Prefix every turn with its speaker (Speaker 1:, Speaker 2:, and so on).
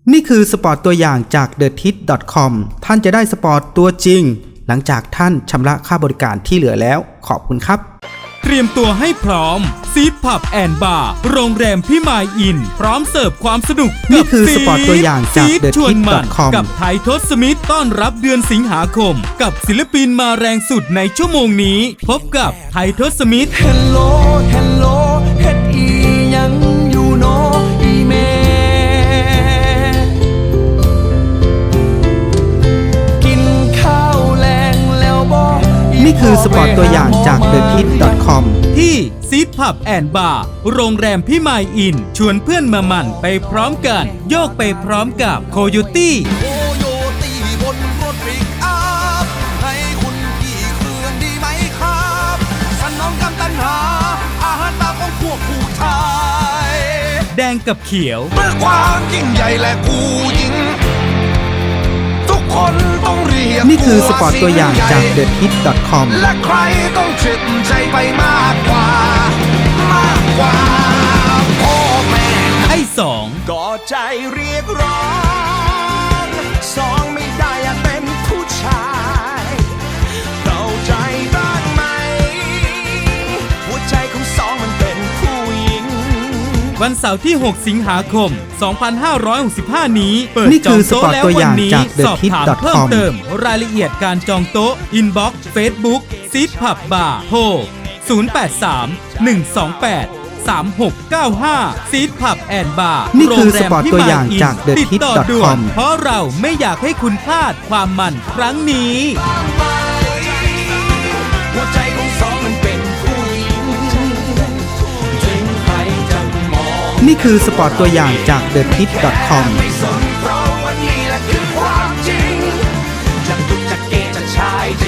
Speaker 1: นี่คือสปอร์ตตัวอย่างจาก TheTit.com ท่านจะได้สปอร์ตตัวจริงหลังจากท่านชำระค่าบริการที่เหลือแล้วขอบคุณครับ
Speaker 2: เตรียมตัวให้พร้อมซีดผับแอนด์บาร์โรงแรมพี่มายอินพร้อมเสิร์ฟความสนุก
Speaker 1: นี่คือสปอร์ตตัวอย่างจาก
Speaker 2: TheTit.com กับไททศมิตรต้อนรับเดือนสิงหาคมกับศิลปินมาแรงสุดในชั่วโมงนี้พบกับไททศมิตร
Speaker 3: Hello Hello เฮ็ดอีหยังอยู่โนอีเมกินข้าวแลงแล้วบ่
Speaker 1: นี่คือสปอร์ตตัวอย่างจาก TheTit.com
Speaker 2: ที่ซีดผับแอนด์บาร์โรงแรมพี่มายอินชวนเพื่อนมาหมั่นไปพร้อมกันโยกไปพร้อมกับโคโยตี้
Speaker 3: โคโยตี้บนรถปิกอัพให้คุณกี่เครื่องดีไหมครับสนองกำตันหาอาหารตาของพวกผู้ชาย
Speaker 2: แดงกับเขียว
Speaker 3: เพื่อความยิ่งใหญ่และกูยิ่งทุกคนต้องเรียก
Speaker 1: นี่คือสปอร์ตตัวอย่างจาก TheTit.com
Speaker 3: และใครต้องเจ็บใจไปมากกว่าพ่อแม่
Speaker 2: ไอ้สอง
Speaker 3: ก็ใจเรียกร้องสองไม่ได้อยากเป็นผู้ชายเข้าใจบ้างไหมหัวใจของสองมันเป็นผู้หญิง
Speaker 2: วันเสาร์ที่ 6 สิงหาคม 2565 นี้เปิด
Speaker 1: นี่
Speaker 2: จ
Speaker 1: คือ อง ส
Speaker 2: โต๊ะ
Speaker 1: ปอร์ต
Speaker 2: แล้ว
Speaker 1: ตัวอ
Speaker 2: วั
Speaker 1: ย่าน ง
Speaker 2: นี้
Speaker 1: จาก
Speaker 2: สอบถาม
Speaker 1: TheTit.com
Speaker 2: เพิ่มเติมรายละเอียดการจองโต๊ะอินบ็อกซ์เฟซบุ๊กซีดผับบาร์โทร 083-128-3695 ซีดผับแอนด์บาร์
Speaker 1: นี่คือ
Speaker 2: โรงแรม
Speaker 1: สปอร์ต
Speaker 2: พี่
Speaker 1: ตัว
Speaker 2: มาย
Speaker 1: อย่าง
Speaker 2: อิน
Speaker 1: จาก
Speaker 2: ติดต่อด่วน
Speaker 1: TheTit.com
Speaker 2: เพราะเราไม่อยากให้คุณพลาดความมันครั้งนี้
Speaker 3: หัวใจของสองมันเป็นผู้หญิงถึงใครจะมอง
Speaker 1: นี่คือสปอร์ตตัวอย่างจาก TheTit.com
Speaker 3: ไม่สนเพราะวันนี้แหละคือความจริงจะตุกจะเกจะชายจะ